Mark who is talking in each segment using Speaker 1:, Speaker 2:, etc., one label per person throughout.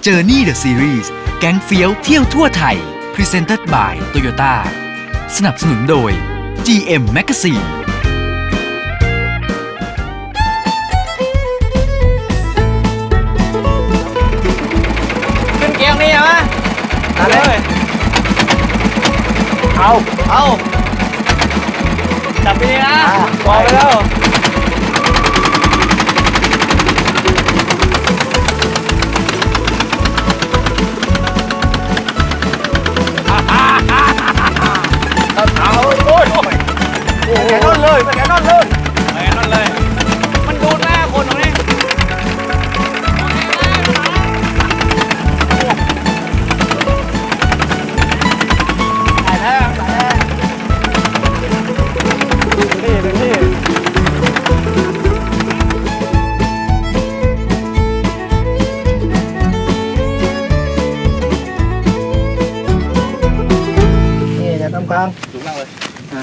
Speaker 1: Journey the Series แก๊งเฟี้ยวเที่ยวทั่วไทย Presented by Toyota สนับสนุนโดย GM Magazine
Speaker 2: ขึ้นเกียร์นี่เหรอมาเลยเอาจับไปดีนะบอกไปแล้วเอาโอ้ยแกนอนเลยแกนอนเลยมันดูหน้าคนตรงนี้
Speaker 3: ค้างสูงมากเลย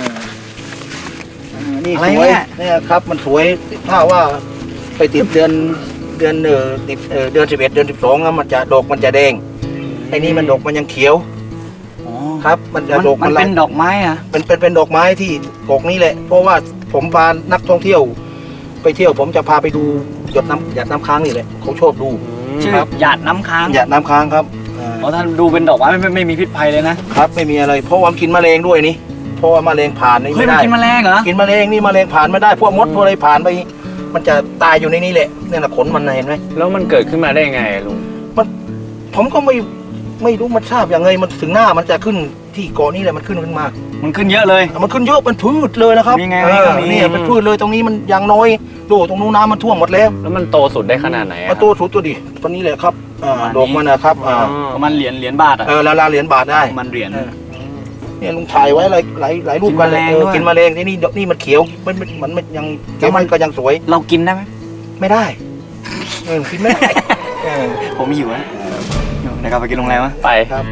Speaker 3: นี่สวยเนี่ยครับมันสวยถ้าว่าไปติดเดือนติดเดือน11 เดือน12แล้วมันจะดอกมันจะแดงไอ้นี่มันดอกมันยังเขียวครับมันจะดอกมันเป็นดอกไม้อะเป็นดอกไม้ที่กอกนี้แหละเพราะว่าผมพานักท่องเที่ยวไปเที่ยวผมจะพาไปดูหยดน้ำค้างนี่แหละเขาชอบดู
Speaker 2: ครับหยาดน้ำค้าง
Speaker 3: ครับ
Speaker 2: เพราะท่านดูเป็นดอกไม้ไม่มีพิษภัยเลยนะครับ
Speaker 3: ไม่มีอะไรเพราะว่ากินแมลงด้วยนี่เพราะว่าแมลงผ่านนี่ไม่ได้
Speaker 2: กินแมลงเหรอ
Speaker 3: กินแมลงนี่แมลงผ่านไม่ได้พวกมดพวกอะไรผ่านไปมันจะตายอยู่ในนี้แหละนี่แหละขนมันเห็นไหม
Speaker 4: แล้วมันเกิดขึ้นมาได้ไงลุง
Speaker 3: ผมก็ไม่รู้มันทราบอย่างไงมันถึงหน้ามันจะขึ้นที่เกาะนี้แหละมันขึ้นมา
Speaker 2: มันขึ้นเยอะเลย
Speaker 3: มันขึ้นเยอะเป็นพืชเลยนะครับ
Speaker 2: นี่ไง
Speaker 3: นี่เป็นพืชเลยตรงนี้มันอย่างน้อยดูตรงนู้นน้ำมันท่วมหมดแล้ว
Speaker 4: มันโตสุดได้ขนาดไหน
Speaker 3: มันโตสุดตัวดิตัวนี้แหละครับดอกมันนะครับ
Speaker 2: ประมาณเหรียญบาท
Speaker 3: ละเหรียญบาทได้
Speaker 2: มันเหรียญ
Speaker 3: เนี่ยลุงถ่ายไว้หลายรูปกันเลยกินแมลงที่นี่มันเขียวมันยังเขียวมันก็ยังสวย
Speaker 2: เรากินได้ไหม
Speaker 3: ไม่ได้กินไม่ได้
Speaker 2: ผมหิวนะเดี๋ยวกลับไปกินโรงแรมวะ
Speaker 4: ไป
Speaker 3: ครับ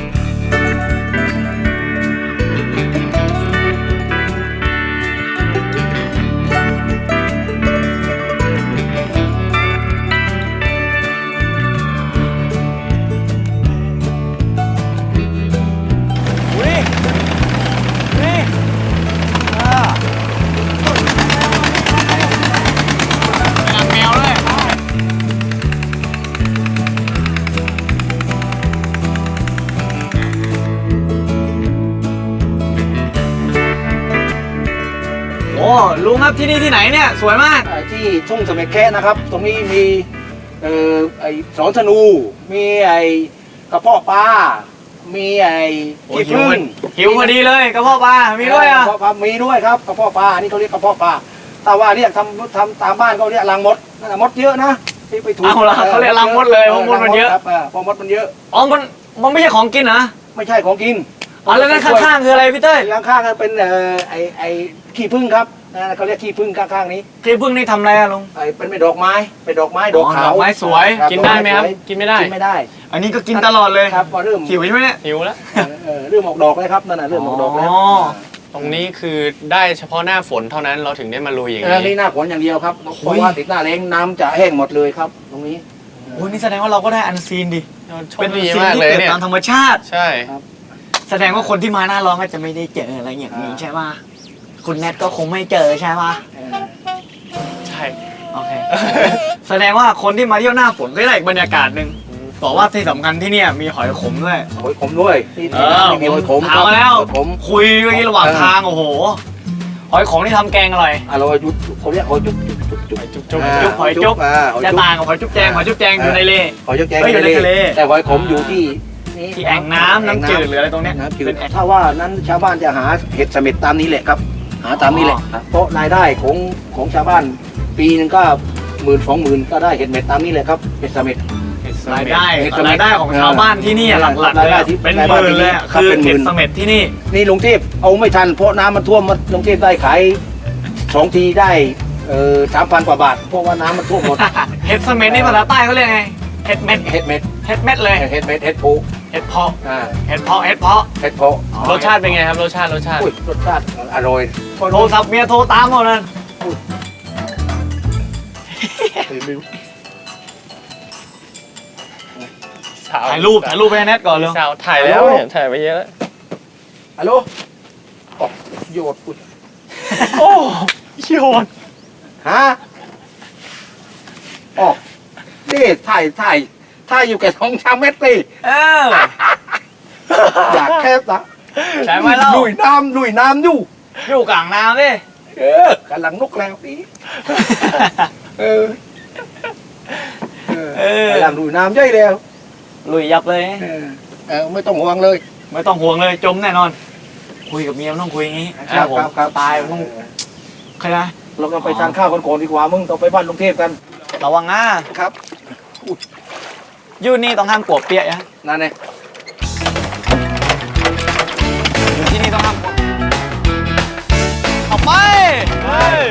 Speaker 2: ลุงครับที่นี่ที่ไหนเนี่ยสวยมาก
Speaker 3: ที่ทุ่งเสม็ดแค่นะครับตรงนี้มีไอ้สอนธนูมีไอ้กระเพาะปลามีไอ้ขี้ผึ้ง
Speaker 2: หิวพอดีเลยกระเพาะปลามีด้วยอ่ะ
Speaker 3: มีด้วยครับกระเพาะปลานี่เขาเรียกกระเพาะปลาแต่ว่าเรียกทำตามบ้านเขาเรียกรังมดมดเยอะนะที่ไปถูก
Speaker 2: เอาละเขาเรียกรังมดเลยเพราะมดมันเยอะ
Speaker 3: เพราะมดมันเยอะ
Speaker 2: มันไม่ใช่ของกินนะ
Speaker 3: ไม่ใช่ของกิน
Speaker 2: แล้วนั่นข้างๆคืออะไรพี่เต้ย
Speaker 3: ข้างๆเป็นไอ้ขี้ผึ้งครับเขาเรียกขี้ผึ้งข้างๆนี้
Speaker 2: ขี้ผึ้งนี่ทำอะไรอะลุง
Speaker 3: เป็นดอกไม้ดอกขาว
Speaker 2: ดอกไม้สวยกินได้ไหมครับกินไม่ได้อันนี้ก็กินตลอดเลย
Speaker 3: ครับพอเริ่ม
Speaker 2: หิวใช่ไหมเนี่ย
Speaker 4: หิวแล้ว
Speaker 3: เริ่มออกดอกแล้วครับนั่นน่ะเริ่มออกดอกแล้ว
Speaker 4: ตรงนี้คือได้เฉพาะหน้าฝนเท่านั้นเราถึงได้มาลุยอย่าง
Speaker 3: นี้นี่หน้าฝนอย่างเดียวครับเพราะว่าติดหน้าแล้งน้ำจะแห้งหมดเลยครับตรงนี้
Speaker 2: โอ้นี่แสดงว่าเราก็ได้อันซีนดิ
Speaker 4: เป็นดีมากเลยเนี่ย
Speaker 2: ตามธรรมชาติ
Speaker 4: ใช่
Speaker 2: แสดงว่าคนที่มาหน้าร้อนก็จะไม่ได้เจออะไรอย่างนี้ใช่ป่ะคุณแนทก็คงไม่เจอใช่ป่ะ
Speaker 4: ใช่
Speaker 2: โอเคแสดงว่าคนที่มาเที่ยวหน้าฝนก็ได้อีกบรรยากาศหนึ่งบอกว่าที่สำคัญที่นี่มีหอยขมด้วยมีหอยขมถามมาแล้วคุยเมื่อกี้ระหว่างทางโอ้โหหอยขมที่ทำแกงอร่อย
Speaker 3: จุ๊บเขาเรียกหอยจุ๊บ
Speaker 2: หอยจุ๊บจะต่างกับหอยจุ๊บแจงอยู่ใน
Speaker 3: หอยจุ๊บแจงอยู่ในทะเลแต่หอยขมอยู่ที่
Speaker 2: แอ่งน้ำจืดหรืออะไรตรงนี้
Speaker 3: ถ้าว่านั้นชาวบ้านจะหาเห็ดเสม็ดตามนี้แหละครับหาตามนี้แหละเพราะรายได้ของชาวบ้านปีนึงก็10,000-20,000ก็ได้เห็ดเม็ดตามนี้เลยครับเห็ดเสม็ด
Speaker 2: รายได้ของชาวบ้านที่นี่หลักๆเลยเป็นหมื่นเลยคือเห็ดเสม็ดที่นี่
Speaker 3: ลุงเทพเอาไม่ทันเพราะน้ำมันท่วมลุงเทพได้ขาย2 ทีได้3,000 กว่าบาทเพราะว่าน้ำมันท่วมหมด
Speaker 2: เห็ดเสม็ดนี่ภาษาใต้เขาเรียกไงเห็ดเม็ดเลย
Speaker 3: เห็ดเม็ดเห็ดโพ
Speaker 2: เห็ดเพาะ
Speaker 4: รสชาติเป็นไงครับรสชาติ
Speaker 3: อร่อย
Speaker 2: โทรศัพท์เมียโทรตามหมดนั่น
Speaker 4: เช้า
Speaker 2: ถ่ายรูปไปให้แนทก่อนเลย
Speaker 4: เช้าถ่ายแล้วเนี่ยถ่ายไปเยอะแล้ว
Speaker 3: ฮัลโหลอ๋อโยดอุ๊ย
Speaker 4: โอ้โยน
Speaker 3: ฮะอ๋อนี่ถ่ายอยู่แค่2 เมตรสิ อยากแคบนะ
Speaker 2: ใช่ไหมเล่า
Speaker 3: ลุยน้ำอยู่
Speaker 2: อยู่กลางน้ำดิ
Speaker 3: กำลังนกแล้วพี่เออำลังลุยน้ำย่อยแล้ว
Speaker 2: ลุยยับเลย
Speaker 3: ไม่ต้องห่วงเลย
Speaker 2: ไม่ต้องห่วงเลยจมแน่นอน คุยกับเมียมันต้องคุยอย่างงี้
Speaker 3: ครับ
Speaker 2: ผม
Speaker 3: ครับ
Speaker 2: ตายมันต้องใครนะ
Speaker 3: เราก็ไปทานข้าวกันก่อนดีกว่ามึงต้องไปบ้านลุงเทพกัน
Speaker 2: ระวังนะครับ อยู่นี่ต้องห้ามกลัวเปียกนะ
Speaker 3: นั่นไง
Speaker 2: อยู่ที่นี่ต้องห้ามกลัวเอาไปเฮ้ย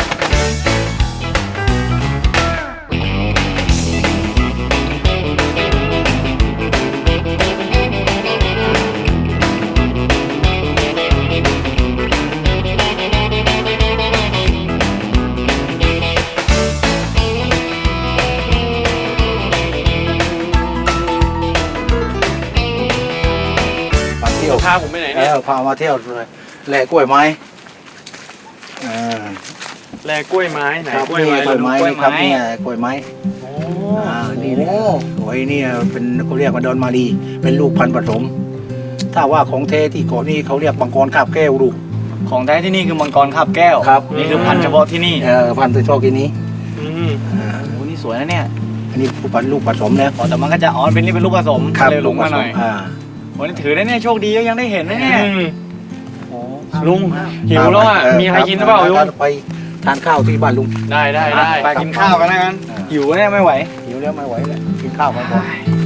Speaker 3: มาเที่ยว
Speaker 4: พาผมไปไหนเนี่ย
Speaker 3: พามาเที่ยวเลยแหล่กล้วยไม้อ่า
Speaker 4: แลกล้วยไม้ไหน
Speaker 3: ครับ
Speaker 4: กล้วย
Speaker 3: นี่
Speaker 4: ไม้
Speaker 3: กล้วยไม้นี่ครับเนี่ยกล้วยไม้นี่นะสวยเนี่ยเป็นเขาเรียกว่าดอนมาลีเป็นลูกพันธุ์ผสม ถ้าว่าของเทที่เกาะนี่เขาเรียกมังกรคาบแก้วดู
Speaker 2: ของแท้ที่นี่คือมังกรคาบแก้ว
Speaker 3: ครับ
Speaker 2: นี่คือพันธุ์เฉพาะที่นี่
Speaker 3: พันธุ์ตัวชอบกินนี้
Speaker 4: อืม
Speaker 2: โอ้นี่สวยนะเนี่ย
Speaker 3: อันนี้ลูกผสมแล้ว
Speaker 2: อ๋อแต่มันก็จะเป็นนี่เป็นลูกผสมเลยหลงมาหน่อย
Speaker 3: อ่า
Speaker 2: วันนี้ถือได้เนี่ยโชคดีก็ยังได้เห็นนะเนี่ย โอ้
Speaker 4: ลุงหิวแล้วอ่ะมีอะไรกินหรือเปล่าลุง
Speaker 3: ไปทานข้าวที่บ้านลุง
Speaker 4: ได้ได้
Speaker 2: ไปกินข้าวกันแล้วกันหิวเนี่ยไม่ไหว
Speaker 3: หิวแล้วไม่ไหวแล้วกินข้าวกันก่อน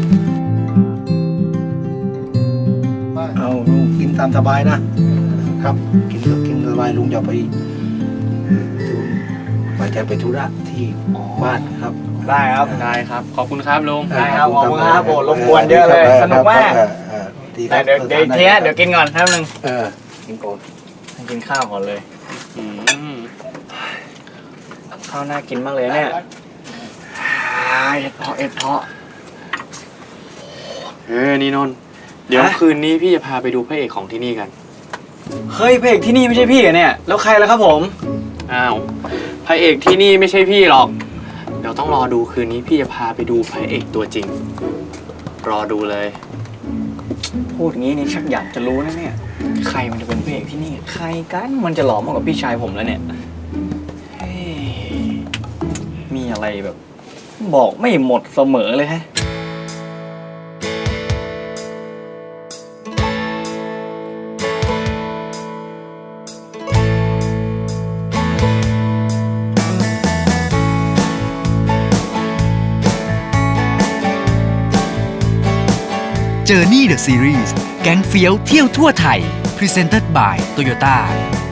Speaker 3: เอาลุงกินตามสบายนะครับ กินสบายลุงจะไปไปธุระที่บ้านครับ
Speaker 2: ได้ครับ
Speaker 4: ได้ครับ ขอบคุณครับลุง
Speaker 2: ได้ครับขอบคุณครับโอ้รบกวนเยอะเลยสนุกมาก
Speaker 3: ดีค
Speaker 2: แต่
Speaker 3: รับ
Speaker 2: เดี๋ยวอีกทีนะเดี๋ยวกินก่อนแป๊บนึง
Speaker 3: กินก่อน
Speaker 2: กินข้าวก่อนเลย
Speaker 4: อืม
Speaker 2: ข้าวน่ากินมากเลยเนี่ยเอ็ดเพาะ
Speaker 4: นี่นนท์เดี๋ยว
Speaker 2: ฮะ
Speaker 4: คืนนี้พี่จะพาไปดูพระเอกของที่นี่กัน
Speaker 2: เฮ้ยพระเอกที่นี่ไม่ใช่พี่เหรอเนี่ยแล้วใครล่ะครับผม
Speaker 4: อ้าวพระเอกที่นี่ไม่ใช่พี่หรอก เดี๋ยวต้องรอดูคืนนี้พี่จะพาไปดูพระเอกตัวจริง รอดูเลย
Speaker 2: พูดงี้นี่ชักอยากจะรู้นะเนี่ยใครมันจะเป็นพระเอกที่นี่ใครกันมันจะหล่อมากกว่าพี่ชายผมแล้วเนี่ยเฮ้ยมีอะไรแบบ บอกไม่หมดเสมอเลยฮะ
Speaker 1: Journey the Series แก๊งเฟี้ยวเที่ยวทั่วไทย Presented by Toyota